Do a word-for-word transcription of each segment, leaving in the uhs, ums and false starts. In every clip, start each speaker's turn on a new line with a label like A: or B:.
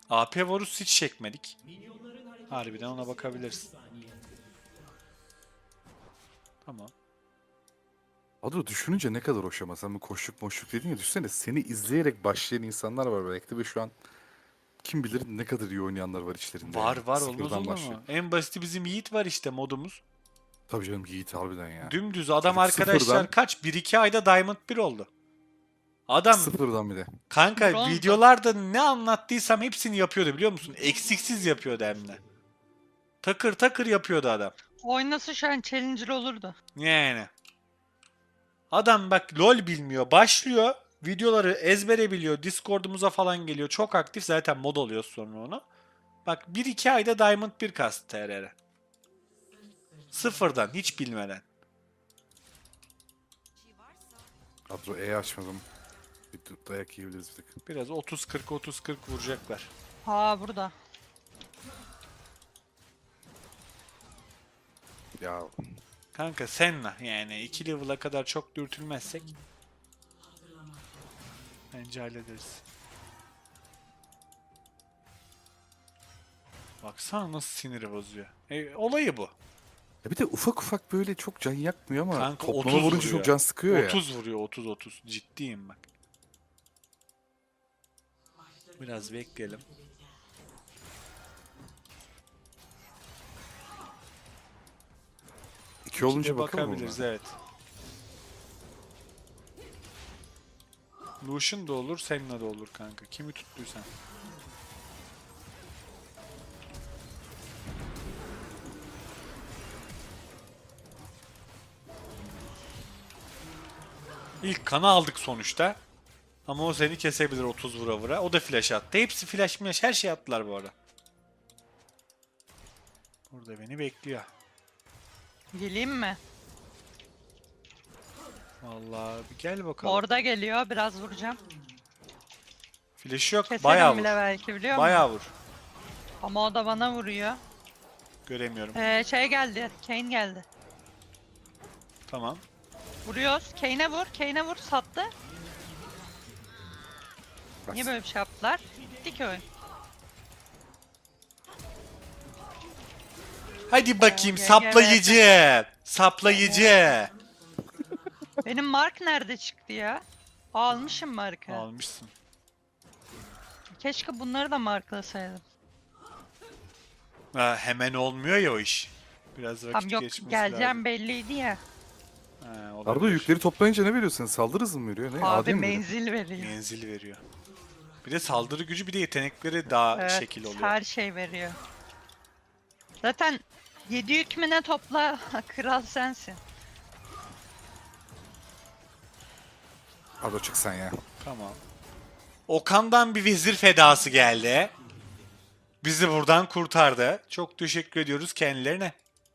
A: A P Varus hiç çekmedik. Harbiden ona bakabiliriz. Tamam.
B: Adro düşününce ne kadar hoş ama sen bu koşluk moşluk dedin ya, düşünsene seni izleyerek başlayan insanlar var belki de ve şu an kim bilir ne kadar iyi oynayanlar var içlerinde
A: Var
B: yani.
A: var, olmaz
B: Sıfırdan
A: olur
B: başlıyor.
A: mu? En basiti bizim Yiğit var işte, modumuz.
B: Tabii canım, Yiğit harbiden ya.
A: Dümdüz adam,
B: Çocuk sıfırdan,
A: arkadaşlar kaç? bir iki ayda Diamond bir oldu. Adam
B: sıfırdan bir de.
A: kanka
C: Bronzdu.
A: videolarda ne anlattıysam hepsini yapıyordu, biliyor musun? Eksiksiz yapıyordu hem de. Takır takır yapıyordu adam.
C: Oynasa şu an Challenger olurdu.
A: Yani. Adam bak LoL bilmiyor. Başlıyor. Videoları ezbere biliyor. Discord'umuza falan geliyor. Çok aktif. Zaten mod oluyor sonra onu. Bak bir iki ayda Diamond bir kastı T R R. Sıfırdan. Hiç bilmeden.
B: Adro E açmadım. Bir dayak yiyebiliriz bir tık.
A: Biraz otuz kırk otuz kırk vuracaklar.
C: Ha burada.
B: Ya
A: Kanka Senna yani iki level'a kadar çok dürtülmezsek bence hallederiz. Baksana nasıl siniri bozuyor. E, olayı bu.
B: Ya bir de ufak ufak böyle çok can yakmıyor ama
A: Kanka
B: toplama
A: otuz
B: vurunca
A: vuruyor.
B: çok can sıkıyor ya.
A: otuz vuruyor, otuz otuz. Ciddiyim bak. Biraz bekleyelim.
B: İki olunca
A: İkide
B: bakalım
A: bakabiliriz,
B: ona.
A: evet. Lucian da olur, Senna da olur kanka. Kimi tuttuysan. İlk kanı aldık sonuçta. Ama o seni kesebilir otuz vura vura. O da flash attı. Hepsi flash flash, her şey attılar bu arada. Burada beni bekliyor.
C: Geleyim mi?
A: Vallahi bir gel bakalım.
C: Orada geliyor. Biraz vuracağım.
A: Flash yok.
C: Keserim
A: Bayağı vur.
C: bile belki, biliyor musun?
A: Bayağı vur.
C: Ama o da bana vuruyor.
A: Göremiyorum.
C: Ee, şey geldi. Kane geldi.
A: Tamam.
C: Vuruyoruz. Kane'e vur. Kane'e vur. Sattı. Niye böyle bir şey yaptılar? Bitti ki oyun.
A: Hadi bakayım
C: G G
A: saplayıcı. Saplayıcı.
C: Benim mark nerede çıktı ya? Almışım markı.
A: Almışsın.
C: Keşke bunları da marklasaydım.
A: Ha, hemen olmuyor ya o iş. Biraz vakit
C: Tam yok,
A: geçmesi
C: geleceğim
A: lazım.
C: belliydi ya.
A: Ha,
B: Arda
A: olabilir.
B: yükleri toplayınca ne veriyor sana? Saldırı hızı mı veriyor? Ne?
C: Abi
B: Adem mi veriyor?
C: menzil veriyor.
A: Menzil veriyor. Bir de saldırı gücü, bir de yetenekleri daha
C: Evet,
A: şekil oluyor.
C: her şey veriyor. Zaten yedi yük mü ne topla, kral sensin.
B: Arda çık sen ya.
A: Tamam. Okan'dan bir vezir fedası geldi. Bizi buradan kurtardı. Çok teşekkür ediyoruz kendilerine.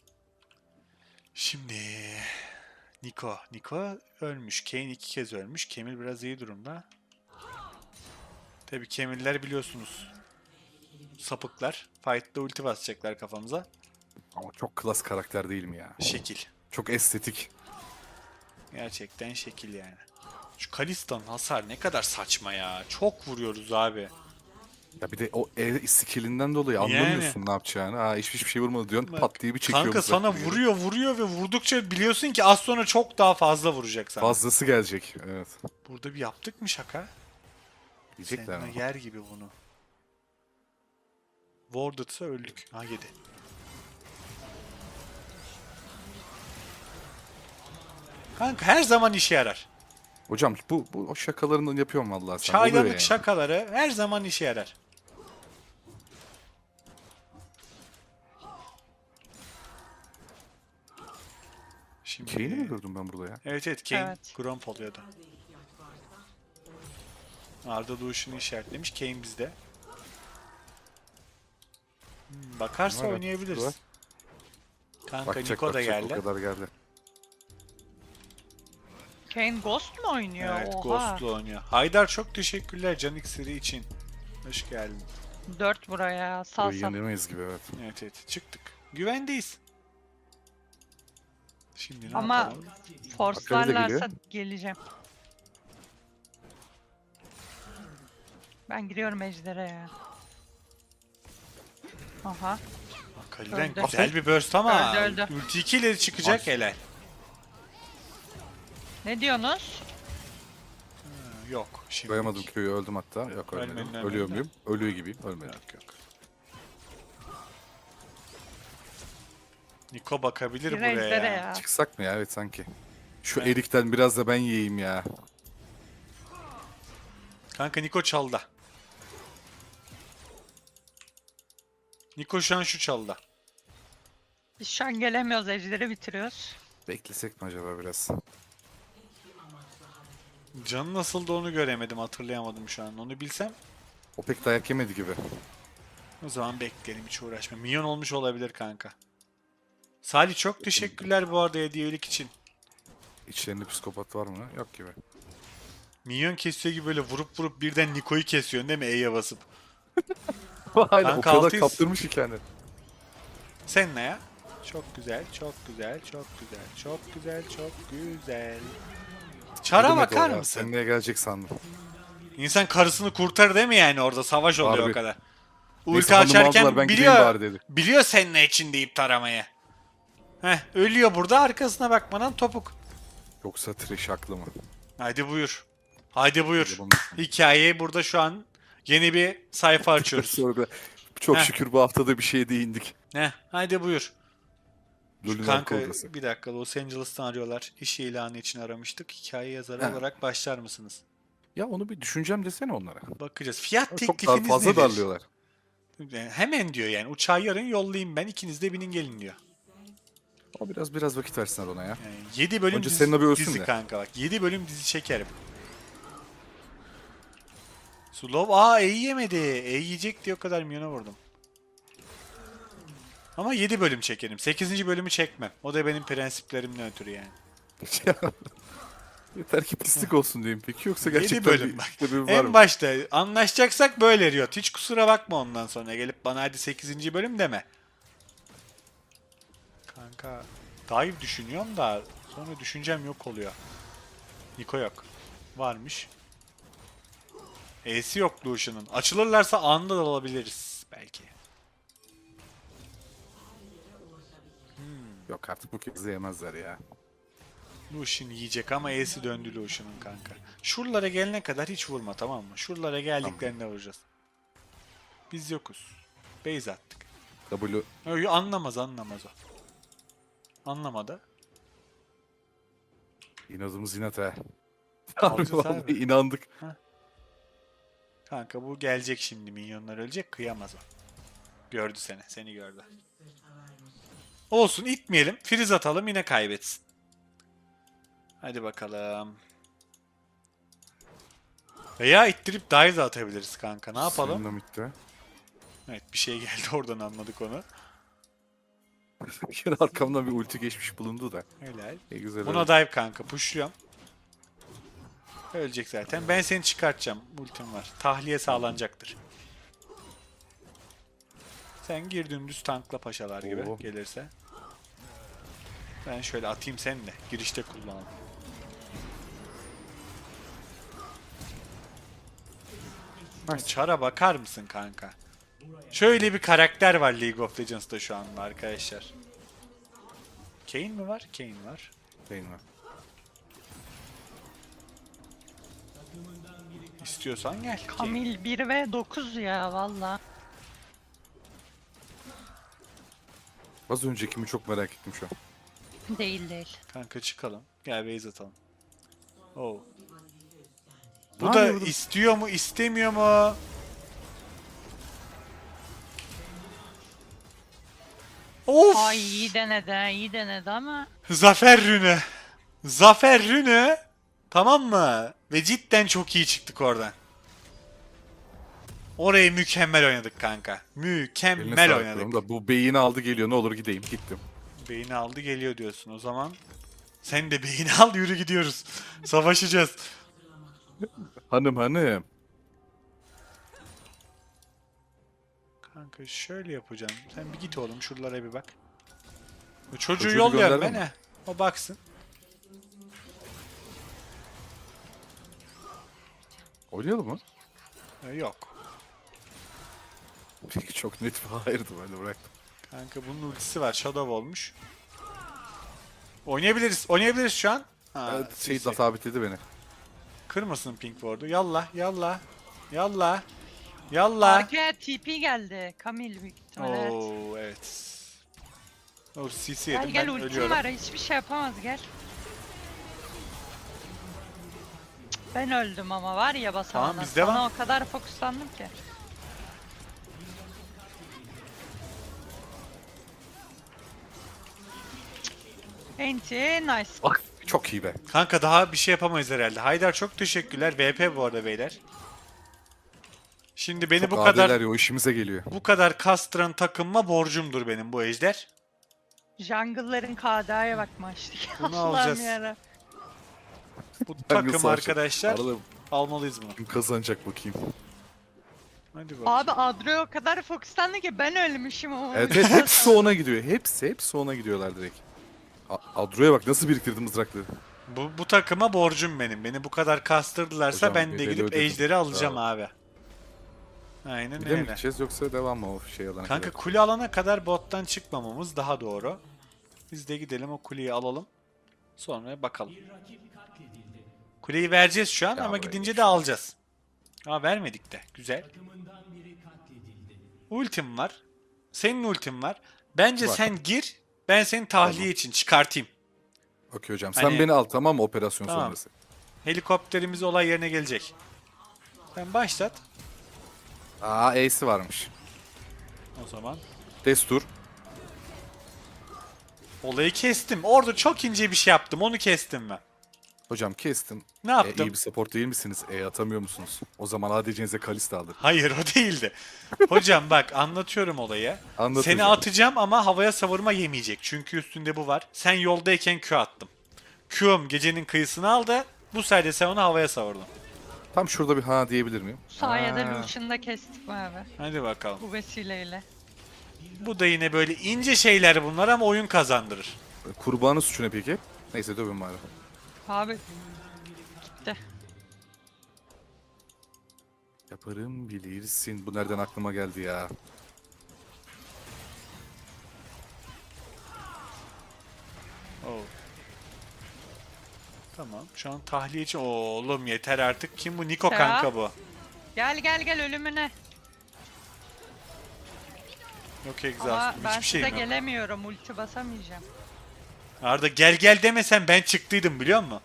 A: Şimdi Niko. Niko ölmüş. Kayn iki kez ölmüş. Kemil biraz iyi durumda. Tabii Kemiller biliyorsunuz. Sapıklar. Fight'ta ulti basacaklar kafamıza.
B: Ama çok klas karakter değil mi ya?
A: Şekil.
B: Çok estetik.
A: Gerçekten şekil yani. Şu Kalista'nın hasar ne kadar saçma ya. Çok vuruyoruz abi.
B: Ya bir de o E skillinden dolayı anlamıyorsun ne yapacağını. Ha hiçbir hiçbir şey vurmadı diyorsun,
A: Bak,
B: pat diye bir çekiyor.
A: kanka
B: mızrak
A: sana
B: gibi geliyor.
A: vuruyor vuruyor ve vurdukça biliyorsun ki az sonra çok daha fazla vuracak sana.
B: Fazlası gelecek. Evet.
A: Burada bir yaptık mı şaka?
B: Diyecekler
A: Senna
B: ama.
A: yer gibi bunu. Warded'sa öldük. Ha yedi. Kanka her zaman işe yarar.
B: Hocam bu, bu o şakalarını yapıyorum vallahi sen. Oluyor
A: Çaydanlık
B: yani.
A: şakaları her zaman işe yarar. Şimdi...
B: Kane'i mi gördüm ben burada ya?
A: Evet evet, Kane
C: Evet.
A: Gromp oluyordu. Arda Doğuş'unu işaretlemiş. Kane bizde. Hmm, bakarsa
B: Var,
A: oynayabiliriz.
B: var.
A: Kanka
B: Bakacak
A: Niko da
B: bakacak
A: geldi.
B: o kadar geldi.
C: Kane Ghost mu oynuyor?
A: Evet,
C: Oha.
A: Ghost'lu oynuyor. Haydar çok teşekkürler Can iksiri için. Hoş geldin.
C: dört buraya. Sal
B: Burayı
C: sal.
B: yenemeyiz gibi evet.
A: Evet evet, çıktık. Güvendeyiz. Şimdi ne
C: Ama
A: yapalım?
C: forcelarlarsa geleceğim. Ben giriyorum ejderha ya. Aha.
A: Akali'den
C: Öldü.
A: güzel bir burst ama
C: Öldü, öldü.
A: ulti iki ileri çıkacak
B: Baş.
A: helal.
C: Ne diyorsunuz?
A: Ha, Yok şimdi.
B: Koyamadım köyü, öldüm hatta. Yok ölmedim.
A: Ölmedin, ölmedin
B: Ölüyor
A: de.
B: muyum? Ölüyor gibiyim. Ölmedim.
A: Yok yok. Niko bakabilir
C: Bir
A: buraya
C: ejderha
A: ya.
C: ya.
B: Çıksak mı ya? Evet sanki. Şu
A: Evet.
B: erikten biraz da ben yiyeyim ya.
A: Kanka Niko çalda. Niko şu an şu çalda.
C: Biz şu an gelemiyoruz. Ejderi bitiriyoruz.
B: Beklesek mi acaba biraz?
A: Canı nasıldı onu göremedim, hatırlayamadım şu an. Onu bilsem
B: O pek dayak yemedi gibi.
A: o zaman bekleyelim, hiç uğraşma. Minyon olmuş olabilir kanka. Salih çok teşekkürler bu arada hediyelik için.
B: İçlerinde psikopat var mı? Yok gibi.
A: Minyon kesiyor gibi böyle vurup vurup birden Niko'yu kesiyorsun değil mi E'ye basıp?
B: Aynen o
A: Kanka
B: kadar
A: altıyız.
B: kaptırmış ki kendini.
A: Sen ne ya? Çok güzel, çok güzel, çok güzel, çok güzel, çok güzel. Çara
B: Demek
A: bakar
B: o ya,
A: mısın?
B: Sen neye gelecek sandım.
A: İnsan karısını kurtar değil mi yani, orada savaş oluyor
B: Harbi.
A: o kadar.
B: Neyse,
A: Ulti
B: hanımı aldılar,
A: açarken
B: ben gideyim
A: biliyor,
B: bari dedi.
A: biliyor senin ne için deyip taramayı. Heh, ölüyor burada, arkasına bakmadan topuk.
B: Yoksa trash haklı mı?
A: Hadi buyur. Hadi buyur.
B: Bunun-
A: Hikayeyi burada şu an yeni bir sayfa açıyoruz.
B: Sonra da çok
A: Heh.
B: şükür bu haftada bir şeye değindik.
A: Heh, hadi buyur. Şu
B: Lulun
A: kanka
B: arka odası.
A: bir dakika, Los Angeles'tan arıyorlar. İş ilanı için aramıştık. Hikaye yazarı
B: He.
A: olarak başlar mısınız?
B: Ya onu bir düşüneceğim desene onlara.
A: Bakacağız. Fiyat
B: Çok
A: teklifiniz
B: dar, fazla
A: nedir?
B: darlıyorlar.
A: Yani hemen diyor yani. Uçağı yarın yollayayım ben. İkiniz de binin gelin diyor.
B: O biraz biraz vakit versinler ona ya.
A: Yani yedi bölüm
B: Önce
A: dizi,
B: senin abi ölsün
A: dizi
B: de.
A: kanka bak. yedi bölüm dizi çekerim. Slow aa E yemedi. E yiyecek diye o kadar milyona vurdum. Ama yedi bölüm çekerim. sekizinci bölümü çekmem. O da benim prensiplerimden ötürü yani.
B: Yeter ki pislik olsun diyeyim peki, yoksa
A: yedi
B: gerçekten
A: bölüm
B: bir
A: bak.
B: sebebi var
A: En
B: mı?
A: başta anlaşacaksak böyle Riot. Hiç kusura bakma ondan sonra gelip bana hadi sekizinci bölüm deme. Kanka dive düşünüyorum da sonra düşüncem yok oluyor. Niko yok. Varmış. E'si yok Lucian'ın. Açılırlarsa anında da alabiliriz belki.
B: Yok artık bu kez de yemezler ya.
A: Lucian yiyecek ama E'si döndü Lucian'ın kanka. Şuralara gelene kadar hiç vurma, tamam mı? Şuralara geldiklerinde vuracağız. Biz yokuz. Base attık.
B: W
A: Yo, yo, anlamaz anlamaz o. Anlamadı.
B: inadımız inat ha.
A: Alacağız
B: Vallahi
A: abi.
B: inandık.
A: Kanka bu gelecek şimdi, minyonlar ölecek, kıyamaz o. Gördü seni, seni gördü. Olsun, itmeyelim, freeze atalım, yine kaybetsin. Hadi bakalım. Veya ittirip dive de atabiliriz kanka, ne yapalım?
B: Dinamitte.
A: Evet, bir şey geldi oradan, anladık onu.
B: Bir kere arkamdan bir ulti geçmiş bulundu da.
A: Helal.
B: Ne güzel.
A: Buna
B: oldu.
A: dive kanka, pushluyorum. Ölecek zaten. Ben seni çıkartacağım, ultim var. Tahliye sağlanacaktır. Sen gir dümdüz tankla paşalar gibi
B: Oo.
A: gelirse. Ben şöyle atayım seni de. Girişte kullanalım. Çara bakar mısın kanka? Şöyle bir karakter var League of Legends'ta şu anda arkadaşlar. Kayn mi var? Kayn var.
B: Şeyin var.
A: İstiyorsan gel. Kayn.
C: Kamil bir ve dokuz ya valla.
B: Az öncekimi çok merak ettim şu an.
C: Değil değil.
A: Kanka çıkalım. Gel base atalım. Oh. Bu
B: Ne
A: da
B: yapıyor bu?
A: istiyor mu, istemiyor mu? Of!
C: Ay iyi denedi iyi denedi ama.
A: Zafer rünü. Zafer rünü. Tamam mı? Ve cidden çok iyi çıktık oradan. Orayı mükemmel oynadık kanka.
B: Eline
A: Mükemmel
B: sağlık
A: oynadık.
B: diyorum da bu beyini aldı geliyor, ne olur gideyim. Gittim.
A: Beyni aldı geliyor diyorsun. O zaman sen de beyni al, yürü gidiyoruz. Savaşacağız.
B: Hanım hanım.
A: Kanka şöyle yapacağım. Sen bir git oğlum şuralara bir bak. Bu çocuğu
B: Çocuğu
A: yolluyorum ben
B: gönderdin
A: he. O baksın.
B: Oynayalım mı?
A: Ee, yok.
B: Peki çok net bir hayırdı, ben de bıraktım.
A: Kanka bunun ultisi var. Shadow olmuş. Oynayabiliriz. Oynayabiliriz şu an. Ha,
B: Evet, şey
A: C C.
B: sabitledi beni.
A: Kırmasın pink ward'u. Yallah yallah. Yallah. Yallah.
C: Arkaya T P geldi. Camille büyük ihtimalle. Evet.
A: Oo evet. O C C
C: Gel
A: yedim
C: gel
A: ben
C: ultim
A: ölüyorum.
C: var. Hiçbir şey yapamaz gel. Cık, Ben öldüm ama var ya basamadan.
A: Tamam, biz
C: Sana
A: devam.
C: o kadar fokuslandım ki. Enti nice.
B: Bak çok iyi be.
A: Kanka daha bir şey yapamayız herhalde. Haydar çok teşekkürler. V P bu arada beyler. Şimdi beni
B: Çok
A: bu
B: adiler
A: kadar
B: ya, o işimize geliyor.
A: bu kadar kastıran takımma borcumdur benim bu ejder.
C: Jungle'ların K D'ye bak maçtık.
A: Bunu
C: Allah'ım
A: alacağız.
C: yarabbim.
A: Bu
B: Hangisi
A: takım
B: var?
A: arkadaşlar
B: Arada
A: almalıyız bunu.
B: kim kazanacak bakayım.
A: Hadi bak.
C: Abi Adro'ya o kadar fokuslandı ki ben ölmüşüm ama.
B: Evet, evet hepsi ona gidiyor. Hepsi hepsi ona gidiyorlar direkt. A- Adro'ya bak nasıl biriktirdi mızrakları.
A: Bu, bu takıma borcum benim. Beni bu kadar kastırdılarsa
B: Hocam,
A: ben de
B: bedeli
A: gidip
B: ödedim.
A: ejderi alacağım
B: Bravo.
A: abi. Aynen
B: Bir de mi
A: öyle.
B: gideceğiz yoksa devam mı o şey alana
A: Kanka
B: kadar?
A: kule alana kadar bottan çıkmamamız daha doğru. Biz de gidelim o kuleyi alalım. Sonra bakalım. Kuleyi vereceğiz şu an
B: Ya
A: ama
B: buraya
A: gidince
B: geç.
A: de alacağız. Aa vermedik de. Güzel. Ultim var. Senin ultin var. Bence
B: Var.
A: sen gir. Ben seni tahliye
B: Tamam.
A: için çıkartayım.
B: Okey hocam,
A: Hani-
B: sen beni al tamam mı operasyon
A: Tamam.
B: sonrası?
A: Helikopterimiz olay yerine gelecek. Sen başlat.
B: Aa A'si varmış.
A: O zaman.
B: Destur.
A: Olayı kestim. Orada çok ince bir şey yaptım. Onu kestim ben.
B: Hocam kestim.
A: Ne
B: E,
A: yaptım?
B: iyi bir support değil misiniz? E atamıyor musunuz? O zaman A D C'nize Kalista alır.
A: Hayır o değildi. Hocam bak anlatıyorum olayı.
B: Anlat
A: Seni
B: hocam.
A: atacağım ama havaya savurma yemeyecek. Çünkü üstünde bu var. Sen yoldayken Q attım. Q'um gecenin kıyısını aldı. Bu sayede sen onu havaya savurdun.
B: Tam şurada bir ha diyebilir miyim?
C: Bu sayede
B: Ha.
C: Lucian'ı da kestik mi abi?
A: Hadi bakalım.
C: Bu vesileyle.
A: Bu da yine böyle ince şeyler bunlar ama oyun kazandırır.
B: Kurbanın suçu ne peki? Neyse dövün bari.
C: Abi gitti.
B: Yaparım bilirsin. Bu nereden aklıma geldi ya?
A: Oo. Tamam. Şu an tahliye için... Oğlum yeter artık. Kim bu? Niko
C: Ya.
A: kanka bu.
C: Gel gel gel ölümüne.
A: Yok
C: Ama
A: egzastım.
C: ben
A: Hiçbir
C: size
A: şeyim yok.
C: gelemiyorum. Ulti basamayacağım.
A: Arda gel gel demesen ben çıktıydım biliyor musun?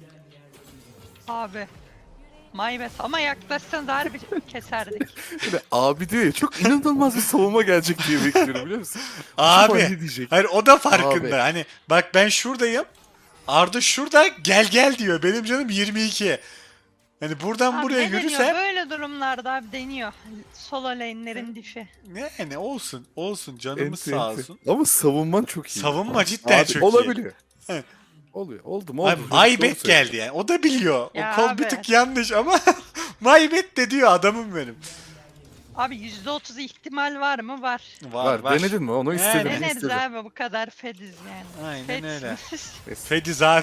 C: Abi. Maybet ama yaklaşsanız harbi keserdik.
B: Böyle abi diyor ya, çok inanılmaz bir savunma gelecek diye bekliyorum biliyor musun?
A: Abi.
B: Acaba ne diyecek?
A: Hayır o da farkında.
B: Abi.
A: Hani bak ben şuradayım. Arda şurada gel gel diyor. Benim canım yirmi iki. Hani buradan
C: Abi
A: buraya
C: ne deniyor?
A: yürüsem
C: Böyle durumlarda abi deniyor. Solo lane'lerin diffi.
A: ne ne olsun olsun canımız
B: Enti,
A: sağ
B: enti.
A: olsun.
B: Ama savunman çok iyi.
A: Savunma cidden
B: Abi,
A: çok iyi.
B: olabiliyor.
A: Evet.
B: Oluyor. Oldu mu oldu.
A: Abi
B: Doğru
A: Maybet
B: söylüyorsun.
A: geldi yani. O da biliyor.
C: Ya
A: o kol
C: abi.
A: bir tık yanlış ama Maybet de diyor adamım benim.
C: Abi yüzde otuz ihtimal var mı? Var.
A: Var
B: Var, denedin mi? Onu
A: Yani.
B: istedim.
C: Deneriz
B: istedim.
C: abi bu kadar fediz yani.
A: Aynen
C: Fediz.
A: öyle.
B: Neyse.
A: Fediz abi.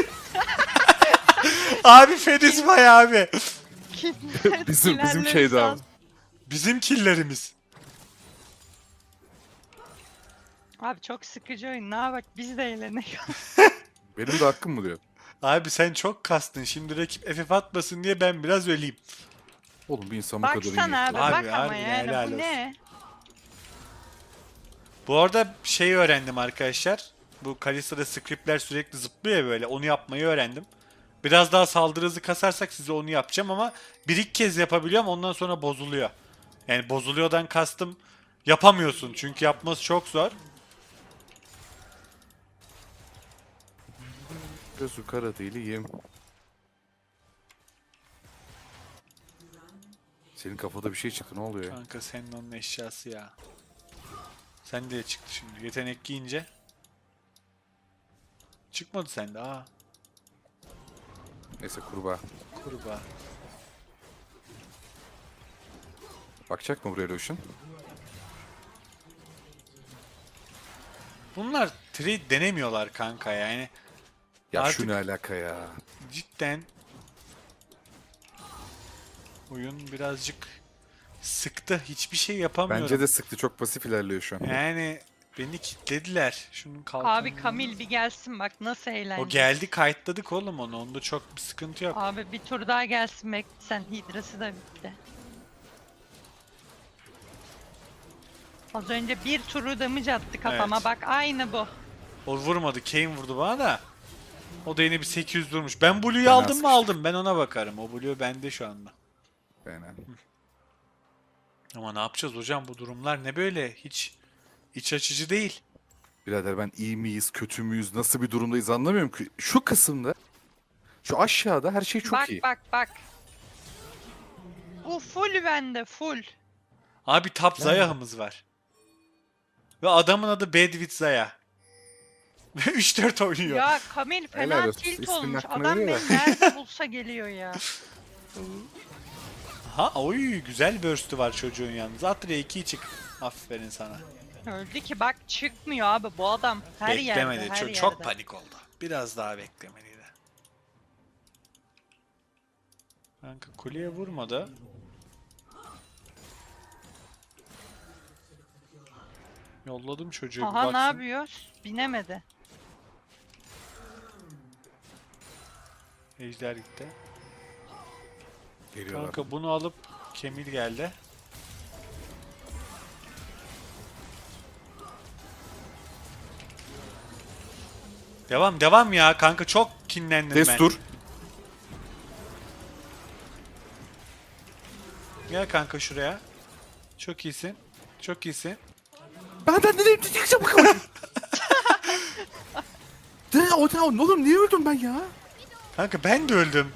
A: Abi Fediz vay abi.
B: Bizim bizim şeydi abi.
A: Bizim killerimiz.
C: Abi çok sıkıcı oyun. Ne bak biz de eğlenelim.
B: Benim de hakkım mı diyor?
A: Abi sen çok kastın. Şimdi rakip F F atmasın diye ben biraz öleyim.
B: Oğlum bir insan bu kadar iyi.
C: Baksana abi,
A: Abi,
C: bak ama
A: harbiden
C: yani
A: helal
C: bu
A: olsun.
C: ne?
A: Bu arada şey öğrendim arkadaşlar. Bu Kalista'da scriptler sürekli zıplıyor ya böyle. Onu yapmayı öğrendim. Biraz daha saldırı hızı kasarsak size onu yapacağım ama bir iki kez yapabiliyorum ondan sonra bozuluyor. Yani bozuluyordan kastım yapamıyorsun çünkü yapması çok zor.
B: Gözü kara değilim. Senin kafada bir şey çıktı, ne oluyor ya?
A: Kanka senin onun eşyası ya. Sen de çıktı şimdi. Yetenek giyince. Çıkmadı sende ha.
B: Neyse kurbağa.
A: Kurbağa.
B: Bakacak mı buraya Lucian?
A: Bunlar trade denemiyorlar kanka yani.
B: Ya
A: Artık-
B: şu ne alaka ya?
A: Cidden oyun birazcık Sıktı. Hiçbir şey yapamıyorum.
B: Bence de sıktı. Çok pasif ilerliyor şu an.
A: Yani beni kilitlediler. Şunun kalkanı.
C: Abi Kamil bir gelsin bak nasıl eğlenceli.
A: O geldi, kayıtladık oğlum onu. Onda çok bir sıkıntı yok.
C: Abi bir tur daha gelsin bekle sen. Hidrası da bitti. Az önce bir turu damage attı kafama
A: Evet.
C: bak aynı bu.
A: O vurmadı. Kane vurdu bana da. O da yine bir sekiz yüz durmuş. Ben Blue'yu
B: Fena
A: aldım mı
B: sıkıştık.
A: aldım. Ben ona bakarım. O Blue bende şu anda.
B: Yani.
A: Ama ne yapacağız hocam, bu durumlar ne böyle? Hiç iç açıcı değil.
B: Birader ben iyi miyiz, kötü müyüz, nasıl bir durumdayız anlamıyorum ki. Şu kısımda, şu aşağıda her şey çok
C: bak
B: iyi.
C: bak bak. Bu full bende full.
A: Abi top Zayah'ımız var. Ve adamın adı Bedwit Zaya. Ve üç dört oynuyor.
C: Ya Kamil
B: Helal
C: fena
B: olsun.
C: tilt
B: İsminin
C: olmuş.
B: hakkını
C: Adam
B: veriyor
C: beni nerede bulsa geliyor ya.
A: Ha oy, güzel burst'ü var çocuğun yalnız. Atre'ye iki çık. Aferin sana.
C: Öldü ki bak çıkmıyor abi bu adam. Her
A: Beklemedi.
C: yerde her
A: çok,
C: yerde.
A: çok panik oldu. Biraz daha beklemeliydi. Kanka kuleye vurmadı. Yolladım çocuğu bir
C: Aha ne
A: baksın.
C: yapıyoruz? Binemedi.
A: Ejder gitti.
B: Geliyorlar.
A: Kanka bunu alıp Kemil geldi. Devam devam ya kanka, çok kinlendim ben.
B: Destur.
A: Gel kanka şuraya. Çok iyisin. Çok iyisin.
B: Benden nereye çıkacağım bakalım. De o da oğlum niye öldüm ben ya?
A: Kanka ben de öldüm.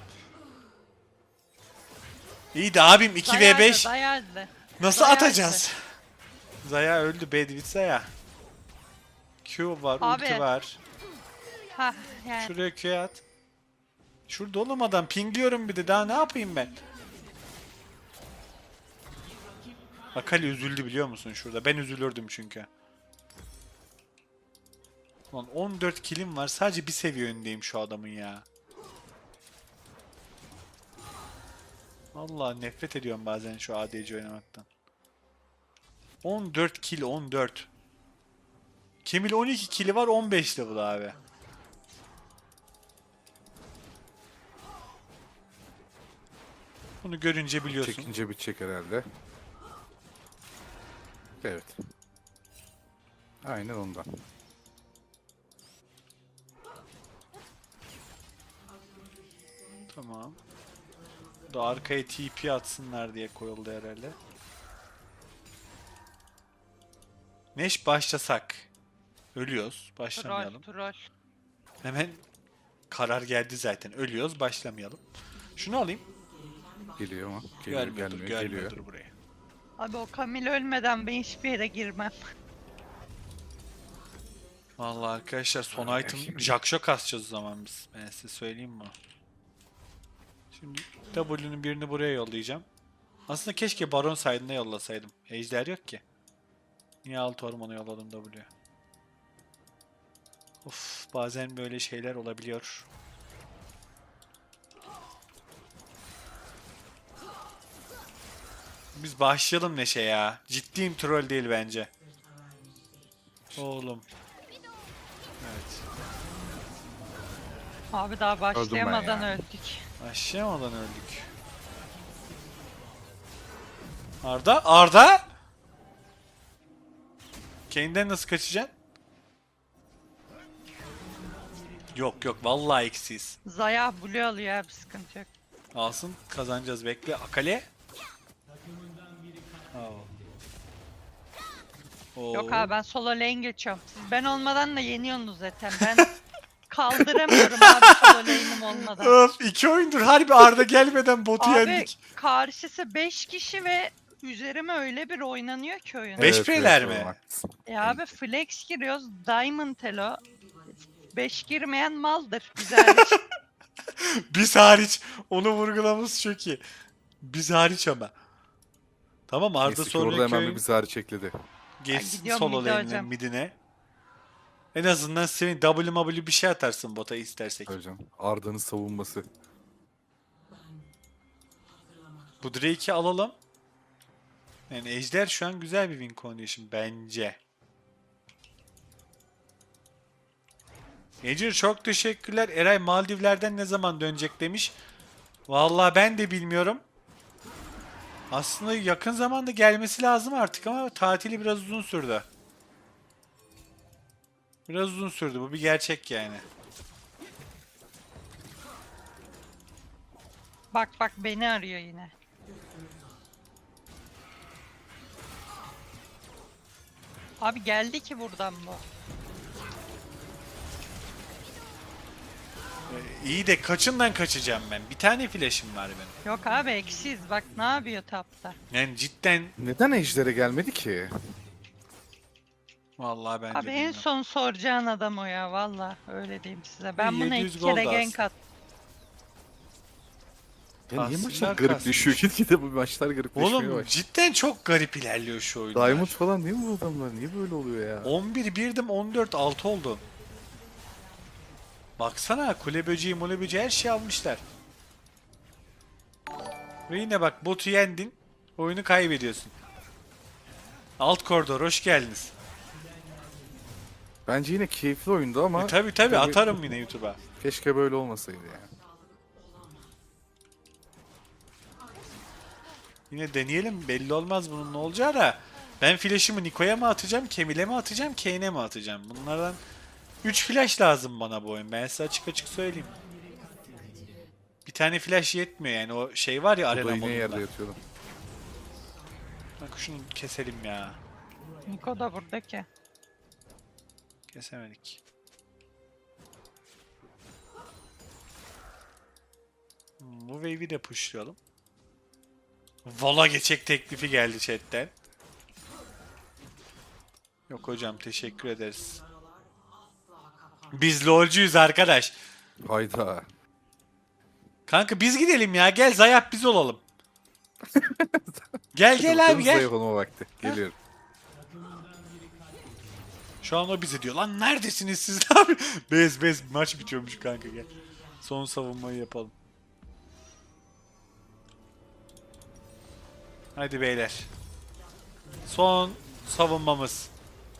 A: İyi de abim iki ve beş.
C: Dayadı.
A: Nasıl
C: Zaya
A: atacağız? Zaya öldü. Bedwit Zaya. Q var,
C: Abi.
A: ulti var.
C: Ha yani.
A: Şuraya Q at. Şurada oğlum adam. Pingliyorum bir de. Daha ne yapayım ben? Akali üzüldü biliyor musun şurada? Ben üzülürdüm çünkü. Lan on dört kilim var. Sadece bir seviye önündeyim şu adamın ya. Vallahi nefret ediyorum bazen şu A D C oynamaktan. on dört kill, on dört. Kemil on iki kili var, on beş level abi. Bunu görünce biliyorsun.
B: Çekince bitecek herhalde. Evet. Aynen ondan.
A: Tamam. Bu da arkaya T P atsınlar diye koyuldu herhalde. Neş başlasak. Ölüyoruz.
C: Troll
A: Başlamayalım.
C: troll.
A: Hemen karar geldi zaten. Ölüyoruz. Başlamayalım. Şunu alayım.
B: Geliyor ama. Geliyor,
A: Görmüyordur,
B: gelmiyor, geliyor.
A: görmüyordur burayı.
C: Abi o Kamil ölmeden ben hiçbir yere girmem.
A: Vallahi arkadaşlar son
B: Ay,
A: item
B: şimdi-
A: Jackshot kasacağız o zaman biz. Ben size söyleyeyim mi? Şimdi W'nun birini buraya yollayacağım. Aslında keşke Baron side'ına yollasaydım. Ejder yok ki. Niye alt ormana yolladım W'ye? Of, bazen böyle şeyler olabiliyor. Biz başlayalım Neşe ya. Ciddiyim, troll değil bence. Oğlum. Evet.
C: Abi daha başlayamadan
B: ya.
C: öldük.
A: Başlayamadan öldük. Arda? Arda? Kane'den nasıl kaçacaksın? Yok yok, vallahi eksiyiz.
C: Zaya blue alıyor abi sıkıntı yok.
A: Alsın, kazanacağız, bekle. Akale? Oo. Oo.
C: Yok abi ben solo lane geçiyorum. Siz ben olmadan da yeniyorsunuz zaten. Ben kaldıramıyorum abi solo lane'im olmadan.
A: Öf, iki oyundur harbi Arda gelmeden botu
C: Abi
A: yendik.
C: karşısı beş kişi ve üzerime öyle bir oynanıyor ki oyun.
A: Beş preler mi?
B: oğlum, haklısın.
C: E abi flex giriyoruz. Diamond elo. beş girmeyen maldır. Güzel.
A: Biz hariç, onu vurgulamamız çok iyi. Biz hariç ama. Tamam, Arda
B: Neyse ki orada
A: sonraki
B: hemen bir
A: oyun
B: bizi hariç ekledi.
A: geçsin
C: gidiyorum
A: solo
C: mide
A: lane'ine,
C: hocam.
A: midine. En azından senin W W bir şey atarsın bota istersek.
B: Hocam Arda'nın savunması.
A: Bu Drake'i alalım. Yani Ejder şu an güzel bir win condition bence. Ejder çok teşekkürler. Eray Maldivler'den ne zaman dönecek demiş. Vallahi ben de bilmiyorum. Aslında yakın zamanda gelmesi lazım artık ama tatili biraz uzun sürdü. Biraz uzun sürdü. Bu bir gerçek yani.
C: Bak bak beni arıyor yine. Abi geldi ki buradan bu.
A: Ee, iyi de kaçından kaçacağım ben? Bir tane flash'im var benim.
C: Yok abi eksiz bak ne yapıyor tapta.
A: Yani cidden
B: Neden Ejder'e gelmedi ki?
A: vallahi bence
C: Abi en
A: bilmiyorum.
C: son soracağın adam o ya valla öyle diyeyim size. Ben buna
A: yedi yüz
C: iki kere
A: gold
C: gank
A: az.
C: attım.
B: Ya niye
A: Tahsiller
B: maçlar garipleşiyor?
A: kasmış.
B: Gitgide bu maçlar garipleşmeye
A: Oğlum
B: başlıyor.
A: cidden çok garip ilerliyor şu oyunlar.
B: Diamond falan değil mi bu adamlar? Niye böyle oluyor ya?
A: on bir birdim on dört altı oldu. Baksana kule böceği mole böceği her şeyi almışlar. Ve yine bak botu yendin. Oyunu kaybediyorsun. Alt koridor hoş geldiniz.
B: Bence yine keyifli oyundu ama
A: E, tabi tabi
B: tabii-
A: atarım yine YouTube'a.
B: keşke böyle olmasaydı yani.
A: Yine deneyelim belli olmaz bunun ne olacağı da. Ben flash'ımı Niko'ya mı atacağım, Camille'e mi atacağım, Kane'e mi atacağım? Bunlardan üç flash lazım bana bu oyun. Ben size açık açık söyleyeyim. Bir tane flash yetmiyor yani o şey var ya
B: Bu
A: arena
B: da yine yerde
A: modunda.
B: yatıyordu.
A: Bak şunu keselim ya.
C: Niko da burada ki.
A: Kesemedik. Hmm, Bu wave'i de pushlayalım. Vola geçecek teklifi geldi chatten. Yok hocam teşekkür ederiz. Biz lolcuyuz arkadaş.
B: Hayda.
A: Kanka biz gidelim ya. Gel Zayap biz olalım. Gel gel abi gel.
B: Zayıf olma vakti. Geliyorum.
A: Şu an o bize diyor. Lan neredesiniz siz abi? Bez bez maç bitiyormuş kanka gel. Son savunmayı yapalım. Hadi beyler. Son savunmamız.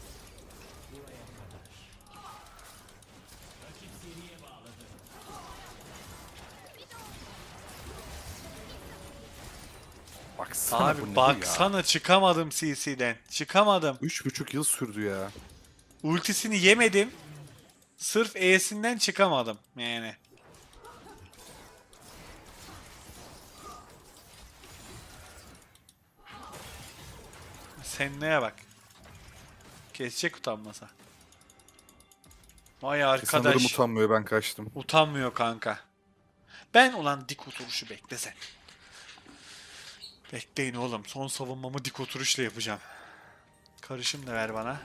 B: Baksana bu
A: Abi
B: ne ya?
A: baksana çıkamadım C C'den. Çıkamadım.
B: Üç buçuk yıl sürdü ya.
A: Ultisini yemedim. Sırf E'sinden çıkamadım yani. Sen neye bak. Kesecek utanmasa. Vay
B: Sanırım
A: arkadaş.
B: utanmıyor, ben kaçtım.
A: Utanmıyor kanka. Ben ulan dik oturuşu bekle sen. Bekleyin oğlum. Son savunmamı dik oturuşla yapacağım. Karışım da ver bana.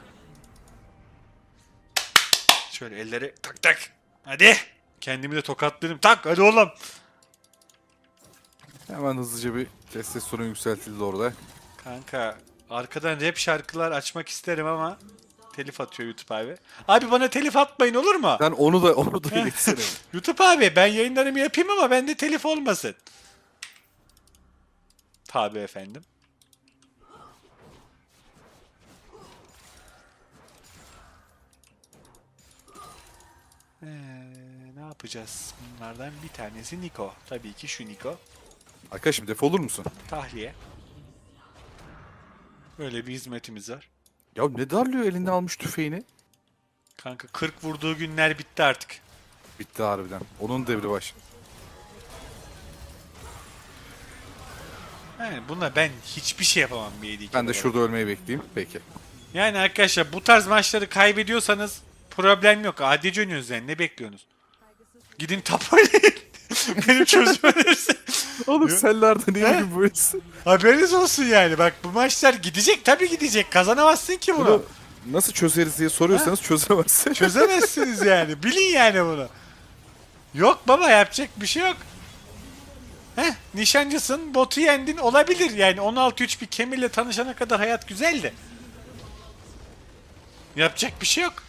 A: Şöyle elleri tak tak. Hadi. Kendimi de tokatlarım. Tak hadi oğlum.
B: Hemen hızlıca bir testosteron yükseltildi orada.
A: Kanka arkadan rap şarkılar açmak isterim ama telif atıyor YouTube abi. Abi bana telif atmayın olur mu?
B: Sen onu da onu da iletsene.
A: YouTube abi ben yayınlarımı yapayım ama bende telif olmasın. Tabii efendim. Ee, ne yapacağız? Bunlardan bir tanesi Niko. Tabii ki şu Niko.
B: Arkadaşım defolur musun?
A: Tahliye. Böyle bir hizmetimiz var.
B: Ya ne darlıyor elinde almış tüfeğini?
A: Kanka kırk vurduğu günler bitti artık.
B: Bitti harbiden. Onun devri baş.
A: Yani buna ben hiçbir şey yapamam bir yedi
B: Ben de şurada ölmeyi bekleyeyim. Peki.
A: Yani arkadaşlar bu tarz maçları kaybediyorsanız problem yok. Adice oynuyoruz yani. Ne bekliyorsunuz? Gidin tap oynayın. Benim çözüm önerisi.
B: Oğlum
A: Yo-
B: sellerde niye
A: He?
B: gün böylesin?
A: Haberiniz olsun yani. Bak bu maçlar gidecek. Tabii gidecek. Kazanamazsın ki bunu.
B: Bunu nasıl çözeriz diye soruyorsanız çözemezsin.
A: Çözemezsiniz yani. Bilin yani bunu. Yok baba yapacak bir şey yok. Heh, nişancısın, botu yendin olabilir yani on altı üç bir Kemir'le tanışana kadar hayat güzeldi. Yapacak bir şey yok.